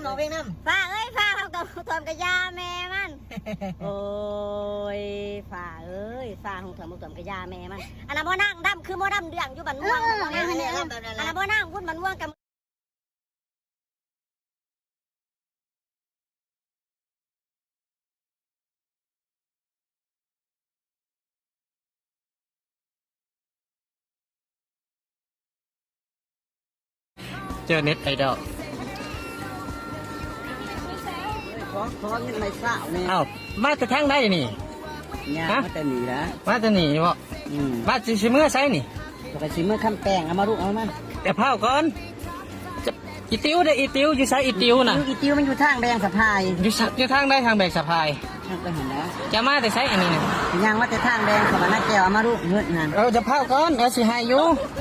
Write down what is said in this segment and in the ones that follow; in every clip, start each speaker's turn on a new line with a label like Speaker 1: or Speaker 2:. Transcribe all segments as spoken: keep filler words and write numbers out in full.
Speaker 1: น้องเพลงน้ำฟ้าเอ้ยฟ้าเขากับทอมกับยาแม่มันโอ้ยฟ้าเอ้ยฟ้าของทอมกับทอมกับยาแม่มันอันนั้นบ่นั่งดำคือบ่ดำเดืองอยู่บันม่วงอันนั้นบ่นั่งพุ่นบันม่วงกับ
Speaker 2: เจอเน็ตไอดอล
Speaker 1: ขอขอเงินไม่เศร้าเนี่ย
Speaker 2: อ้าวมาจะทั้งได้นี่
Speaker 1: เนี่ยมาแต่หนีนะ
Speaker 2: มาจะหนีบ่มาจะชิเมื่อใช่นี่
Speaker 1: ปกติเมื่อคำแป้งเอามาลูกเอามา
Speaker 2: แต่เผาก่อนจะอีติวได้อีติวอยู่ใช้อีติวน่ะ
Speaker 1: อีติวมันอยู่ทางแบงสะพาย
Speaker 2: อยู่อยู่ทางได้ทางแบกสะพาย
Speaker 1: ไปเห็นแล้ว
Speaker 2: จะมาแต่ใช้อันนี้เนี่ย
Speaker 1: ยังว่าแต่ทางแดงสวรรค์แก้วเอามาลูกเงินนั่น
Speaker 2: เราจะเผาก่อนเอาสิหายอยู่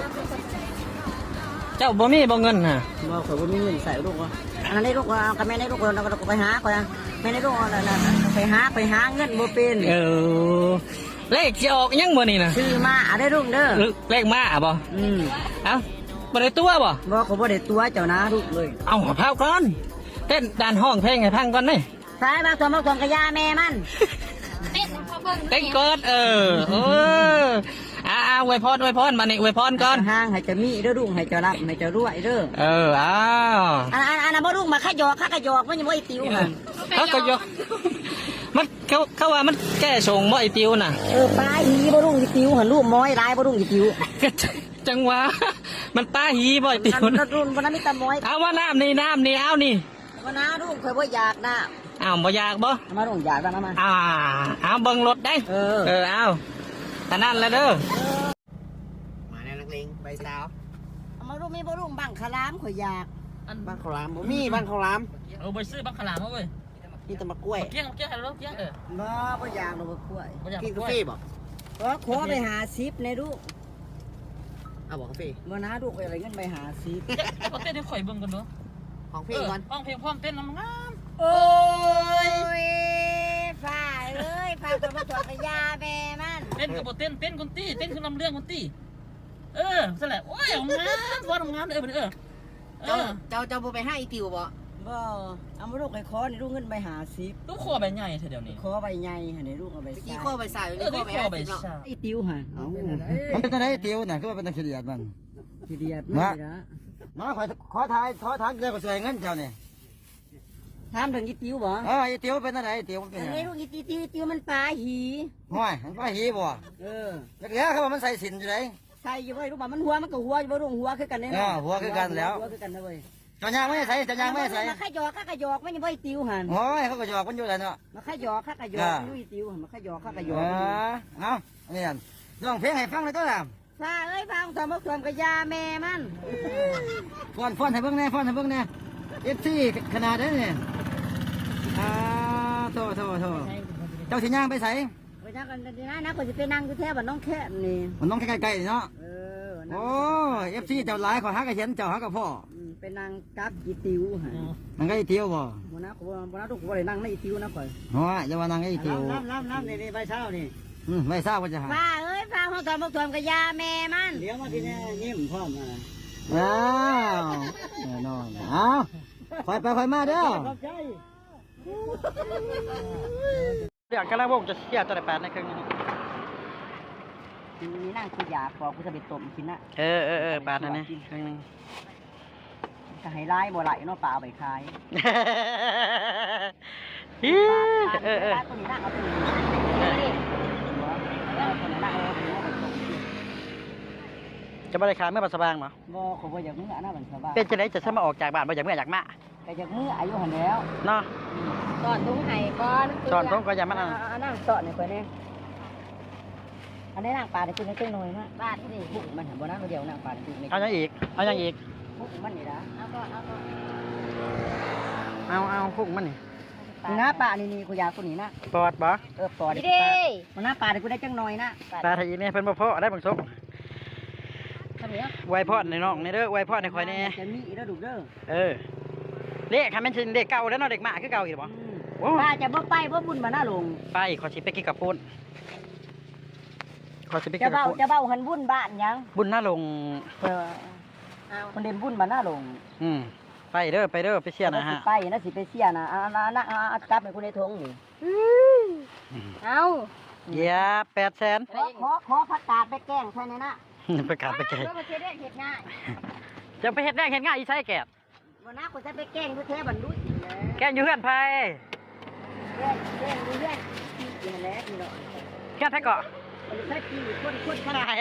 Speaker 2: เจ้าบ่มีบ่เงินน่ะ
Speaker 1: บ่ขอบ่มีเงินใส่ลูกว่าอันนั้นได้ลูกว่ากับแม่ได้ลูกเราก็ไปหาก่อนแม่ได้ลูกอะไรนะไปหาไปหาเงินบ่เป็น
Speaker 2: เออเลขสิออกยังบ่นี่น่ะ
Speaker 1: ซื้อมาได้ลูกเด้อ
Speaker 2: เลขมาอ่ะบ่
Speaker 1: อืม
Speaker 2: เอ้าบ่ได้ตัวบ่
Speaker 1: บ่ขอบ่ได้ตัวเจ้านะลูกเลย
Speaker 2: เอาเผาก่อนเต้นด่านห้องเพลงให้พังก่อนนี่
Speaker 1: ใช่บางตัวบางตัวกระยาแม่มัน
Speaker 2: เต้นพอเบิ่งเต้นก่อนเออเอออ่าอวยพรอวยพรมานี่อวยพรก่อน
Speaker 1: ห้างให้จะมีเด้อลูกให้จะรับให้จะรวยเด้อ
Speaker 2: เอออ้าว
Speaker 1: อันอันอันบ่ลูกมาขยอกข้ากระยอกมันยังบ่ไอ้ติวค่ะ
Speaker 2: เขาก็ยกมันเขาเขาว่ามันแก้ชงบ่ไอ้ติวน่ะ
Speaker 1: เออปลาหีบ่ลูกไอ้ติวหันลูกม้อยร้ายบ่ลูกไอ้ติว
Speaker 2: จังหวะมันปลาหีบ่ไอ้ติว
Speaker 1: นะรุ่นวันนั้นมีตาม้อย
Speaker 2: เอาว่าน้ำนี่น้ำนี่เอานี่
Speaker 1: วันน้าลูกเคยบ่อยากน้
Speaker 2: ำอ้าวบ่อยากบ่
Speaker 1: มาลูกอยากบ้างมา
Speaker 2: อ่าเอาเบิ่งรถได้
Speaker 1: เออ
Speaker 2: เออเอาแต่นั่นแล้วเด้อ
Speaker 1: มาแน่นักเลงใบสาวเอามาลูกมีบ่ลูกบังขลามข่อยอยาก
Speaker 2: อัน
Speaker 1: บังขลามบ่มีบังขลาม
Speaker 2: เออไปซื้อบังขลามมาเว้ย
Speaker 1: นี่ตะมะกล้วย
Speaker 2: เกี้ยงเกี้ยงอะไรลูกเกี้ยงเออ
Speaker 1: บ่บ่อยากหรอกกล้วย
Speaker 2: กินกาแฟบ่
Speaker 1: ก็ขอไปหาซิปในลูก
Speaker 2: เอาบอกกาแฟ
Speaker 1: บ่น้าลูกไปอะไรเงินไปหาซิป
Speaker 2: เอาเต้นให้ข่อยเบิ่งก่อนเนาะ
Speaker 1: ของเพลงก่อน
Speaker 2: ของเพลงพร้อมเต้นน้ำงาม
Speaker 1: โอ้ยฝ่าเอ้ยฝ่าคนมาถอดกระยาแม่มัน
Speaker 2: เต้นกับเต้นเต้นคนตี้เต้นคือลำเรื่องคนตี้เออนั่นแหละโอ้ยงามว่าทำงานเออเออ
Speaker 1: เจ้าเจ้าเจ้าไปให้อีติวบ่บ่เอามาลูกไอ้คอในลูกเงินไปหาซิป
Speaker 2: ลูกคอใบใหญ่เดี๋ยวนี้
Speaker 1: คอใบใหญ่ในลูกเอาใบใส่
Speaker 3: กี่ข้อใบใส่
Speaker 2: เออกี่ข้อใบใส่
Speaker 1: ไอ้ติวฮะ
Speaker 3: มันเป็นอะไรติวน่ะคือว่าเป็นตะเคียนมัน
Speaker 1: ขี้เดียดมา
Speaker 3: มาขอขอทายขอทางเดียวกับสวยเงินเจ้าเนี่ย
Speaker 1: ถามถึงอีติวบ่
Speaker 3: เอออีติวเป็นอะไรอีติวเป็นอะไร
Speaker 1: ลูกอีติวติวมันปลาหี
Speaker 3: ห่วยมันปลาหีบ่
Speaker 1: เออ
Speaker 3: แล้วเดี๋ยวเขาบอกมันใส่สินอยู่ไหน
Speaker 1: ใส่อยู่ไว้ลูกบ่มันหัวมันก็หัวอยู่บ่ลูกหัวคือกันเนี่ย
Speaker 3: อ๋อหัวคือกันแล้ว
Speaker 1: หัวคือกันนะเว้ย
Speaker 3: จอยางไม่ใส่จอยางไม่ใส่
Speaker 1: มาขยอกข้ากระยอกมันยังไม่ติวหัน
Speaker 3: โอ้ยเขาก็หยอกมันอยู่แล้วเนาะ
Speaker 1: มาขยอกข้ากระยอกอยู่อีติวมาขยอกข้ากระยอก
Speaker 3: เอาเนี่ยร้องเพลงให้ฟังเลยตัวล่ะ
Speaker 1: ฟ้าเอ้ยฟังสมบัติสมกระยาแม่มัน
Speaker 3: ฟ้อนฟ้อนให้เบิ่งแน่ฟ้อนให้เบิ่งแน่เอฟซีขนาดนี้เนี่ยอ่าโทษโทษโทษเจ้าสิย่างไปใส่
Speaker 1: ไปนั่งกันดีนะนะคนจะไปนั่งอยู่แถวบ้านน้องแค่นี่
Speaker 3: มันน้องใกล้ๆเนาะโอ้เอฟซีเจ้าหลายขอฮักกระเห็นเจ้าฮักกับพ่อ
Speaker 1: ไปนั่งกับอีติวฮะ
Speaker 3: นั่งกับอีติวบ่
Speaker 1: วันนั้นวันนั้นทุกคนเลยนั่งในอีติวนะข่อย
Speaker 3: โอ้ยอย่าว่านั่งกับอีติว
Speaker 1: น้ำน้ำน้ำนี่ใบเช้านี่
Speaker 3: อืมใบเช้าว่าจะหา
Speaker 1: ฟ้าเอ้ยฟ้าห้องสมบัติสมกระยาแม่มันเดี๋ยวมาทีนี้ยิ้มพร้อมนะ
Speaker 3: ว้าวแน่นอนเอาคอยไปคอยมาเด้อเดี๋ยวกระวงจะเสียตัวไหนแปดในครึ่งนี้
Speaker 1: นี่นั่งคือยาปอกกูจะไปต้มกินนะ
Speaker 2: เออเออเออแปดนั่นนี่ครึ่งนึง
Speaker 1: จะให้ไล่บ่ไหลเนาะปลาเอาไปขาย
Speaker 2: เออเออ
Speaker 1: ตัวนี้นั่งเอาตัวนี้
Speaker 2: จะไม่ได้ขายเมื่อปัสสาวะมั้ง
Speaker 1: บ่เขาบ่อยากเมื่อหน้าปัสสาวะ
Speaker 2: เป็นจะไหนจะสมาออกจากบ้านบ่อยากเมื่ออยากมา
Speaker 1: แต่อยากเมื่ออายุหันแล้ว
Speaker 2: เนาะ
Speaker 1: สอนทุ่งไห้ก่อน
Speaker 2: สอนทุ่งก็อย่ามันอ่ะ
Speaker 1: นั่งสอนเนี่ยเพื่อนเนี่ยอันนี้นั่งปลาได้ขึ้นได้ขึ้นหน่อยมั้ยบ้านที่บุกมันเห็นบ่นั่งคนเดียวนั่งปลาได้
Speaker 2: เอาอย่างอีกเอาอย่างอีก
Speaker 1: บุกมันนี่นะเอาก็เอาก็
Speaker 2: เอาเอาพุกมันนี่
Speaker 1: หน้าปลานี่นี่กูอยากตัวนี้นะ
Speaker 2: ปอดบ่
Speaker 1: เออปอดดิมันหน้าปลาได้กูได้จังหน่อยนะ
Speaker 2: ปลาไทยนี่เป็นบ่พอได้บางสมไวพอดในน้องในเด้อไวพอดในคอยนี่
Speaker 1: จะมีแล้วดูเด้อ
Speaker 2: เออเด็กค่ะมันเป็นเด็กเก่าแล้วเนาะเด็กหมาคือเก่าอีกบ่
Speaker 1: ป้าจะบ่ไปบ่บุญมาหน้าลง
Speaker 2: ไปขอชิไปกินกับปูนขอชิไปกิน
Speaker 1: กับปูนจะเบ้าหันบุญบ้านยัง
Speaker 2: บุญหน้าลง
Speaker 1: เออคนเด่นบุญมาหน้าลง
Speaker 2: อืม
Speaker 3: ไปเด้อไปเด้อไปเชียร์นะฮะ
Speaker 1: ไปนะสิไปเชียร์นะเอาเอาเอาเอาเอาจับให้คุณในทงนี่เอา
Speaker 3: เยียบแปดแสน
Speaker 1: ขอขอขอผักกาดไปแกล้งใช่ไหมนะ
Speaker 3: ประกาศไปแก่
Speaker 1: เพื่อมาเช็ดได้เห็ดง่าย
Speaker 3: จะไปเฮ็ดแรกเฮ็ดง่ายอีใช่แก่
Speaker 1: วันน้าคุณจะไปแกล้งเพื่อแท้บรรลุสิเลย
Speaker 3: แก่อยู่เฮือนไผ
Speaker 1: แกล้งแกล้งดูเรื่องกินแล้วกินหน่อย
Speaker 3: แก่ไผเกาะ
Speaker 1: มันจะกี่คนคนขนาด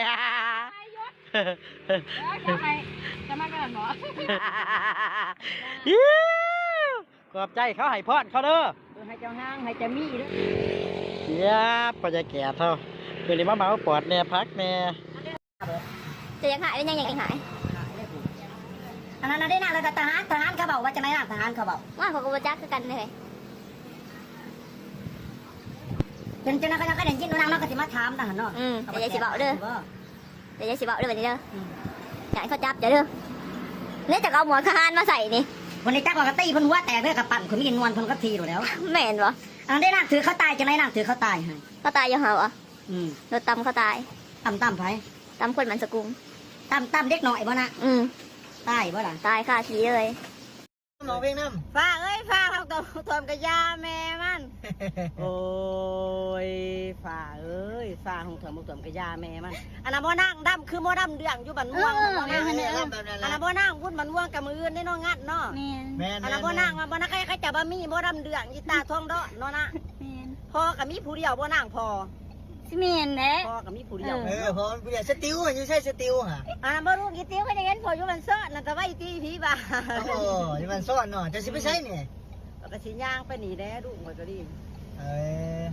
Speaker 4: จะไปจะมากันเหรอ
Speaker 3: อิ๊วขอบใจเขาให้พรเขาเด้อ
Speaker 1: ให้เจ้าห้างให้เจ้ามีด้วย
Speaker 3: เยียบพอจะแก่เท่าเดี๋ยวนี้มาเมาปอดแน่พักแน่
Speaker 4: จะยังหายได้ยังยังหาย
Speaker 1: อันนั้นได้นะแล้วทหารทหารเขาบอกว่าจะไม่รับทหารเขาบอก
Speaker 4: ว่าเขาก็บ่จักคือกันเลย
Speaker 1: จนจนนั้นก็ยังก็เด่นจิ้นดูนางนอกก็สิมาถามทหารเนาะ
Speaker 4: อืมแต่ยายสิบอกเด้อแต่ยายสิบอกเด้อแบบนี้เด้ออยากให้เขาจับจะเด้อเนี่ยจะเอาหมวกทหารมาใส่นี่
Speaker 1: วันนี้จักว่ากระตี้เพิ่นหัวแตกเพื่อกับปั่นคนมีนวลเพิ่นก็ทีอยู่แล้ว
Speaker 4: แม่นบ่
Speaker 1: อันนั้นได้นางถือเขาตายจะไม่นางถือเขาตายให้
Speaker 4: เขาตายอยู่หาวะ
Speaker 1: อืม
Speaker 4: รถตำเขาตาย
Speaker 1: ต่ำต่ำไผ
Speaker 4: ตำคนมันสกุง
Speaker 1: ต่ำต่ำเด็กหน่อยบ่นะ
Speaker 4: อืม
Speaker 1: ตายบ่ล่ะ
Speaker 4: ตายคาทีเลย
Speaker 3: น้องเพลงน้ำ
Speaker 1: ฟ้าเอ้ยฟ้าทำกับทอมกับยาแม่มัน โอ้ยฟ้าเอ้ยฟ้าของเถอมกับเถอมกับยาแม่มันอันนั้นบ่นั่งดำคือบ่ดำเดืองอยู่บันม่วงอันนั้นบ่นั่งวุ่นบันม่วงกับมืออื่นได้น้องงัดเนาะ
Speaker 4: แม่น
Speaker 3: แม่
Speaker 1: อันนั้นบ่นั่งบ่นั่งใครใครจะบ่มีบ่ดำเดืองยีตาทองเดาะเนาะนะ
Speaker 4: แม่น
Speaker 1: พ่อกับมีผู้เดียวบ่นั่งพอ
Speaker 4: สิแม่นแหละ
Speaker 1: พ่อกับมีผู้เดียว
Speaker 3: เออพอเดี๋ยวสติวอยู่ใช่สติวฮะ
Speaker 1: อันนั้นบ่รู้กี่ติ้วก็จะเห็นพออยู่บันเซ้อนั่นแต่ว่าอีตีผีบ้า
Speaker 3: โอ้ยมันซ่อนเนาะจะสิไปใช้เนี่ย
Speaker 1: ก็สิย่างไปหนีแด้ลูกมันก็ดี
Speaker 3: เออ